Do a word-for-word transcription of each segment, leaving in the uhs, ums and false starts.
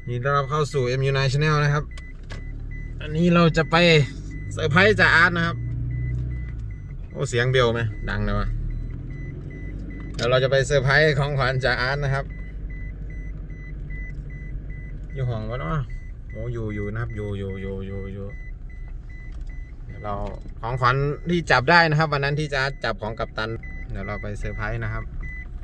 ยินดีต้อนรับเข้าสู่ เอ็ม ยู ไนน์ Channel นะครับอันนี้เราจะไปเซอร์ไพรส์จ่าอาร์ตนะครับโอ้เสียงเบลไหมดังเลยวะเดี๋ยวเราจะไปเซอร์ไพรส์ของขวัญจ่าอาร์ตนะครับอยู่ห้องวะเนาะโอ้อยู่อยู่นะครับอยู่อยู่อยู่อยู่อยู่เดี๋ยวเราของขวัญที่จับได้นะครับวันนั้นที่จ่าอาร์ตจับของกัปตันเดี๋ยวเราไปเซอร์ไพรส์นะครับ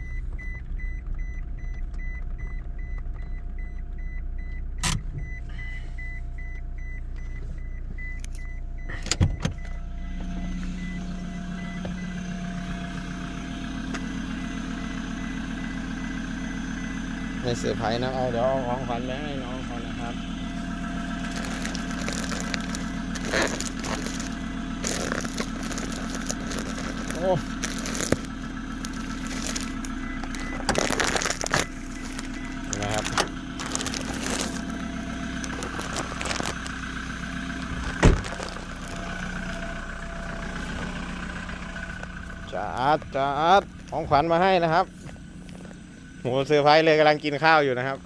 ไม่เซอร์ไพรส์นะเอาเดี๋ยวเอาของขวัญไปให้น้องเขานะครับโอ้นะครับจ่าอาร์ตจ่าอาร์ตของขวัญมาให้นะครับโหเซอร์ไพรส์เลยกำลังกินข้าวอยู่นะครับ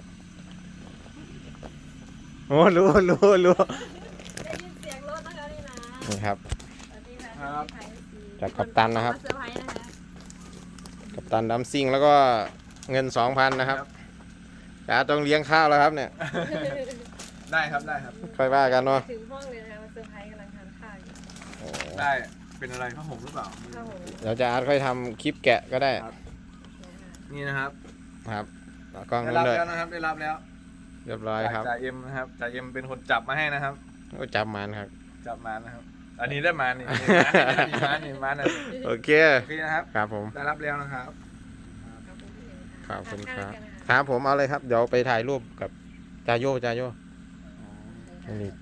โอ้รู้รู้รู้ได้ยินเสียงรถนะคะนี่นะนี่ครับสวัสดีครับจากกัปตันนะครับเซอร์ไพรส์นะคะกัปตันดัมซิ่งแล้วก็เงินสองพันนะครับจ่าต้องเลี้ยงข้าวแล้วครับเนี่ยได้ครับได้ครับค่อยว่ากันเนาะถึงห้องเลยนะคะมาเซอร์ไพรส์กำลังทานข้าวอยู่โอ้ได้เป็นอะไรผ้าห่มหรือเปล่าข้าวหมูเดี๋ยวจ่าอาร์ตค่อยทำคลิปแกะก็ได้นี่นะครับครับเอากล้องได้นู้นรับเลยแล้วนะครับได้รับแล้วเรียบร้อยครับจ่าเอ็มนะครับจ่าเอ็มเป็นคนจับมาให้นะครับโอ้จับมันครับจับมานะครับ อันนี้ได้มานี่นี่มานี่มานี่โอเคโอเคนะครับครับผมได้รับแล้วนะครับขอบคุณครับครับผมเอาเลยครับเดี๋ยวไปถ่ายรูปกับจาโยจาโยอันนี้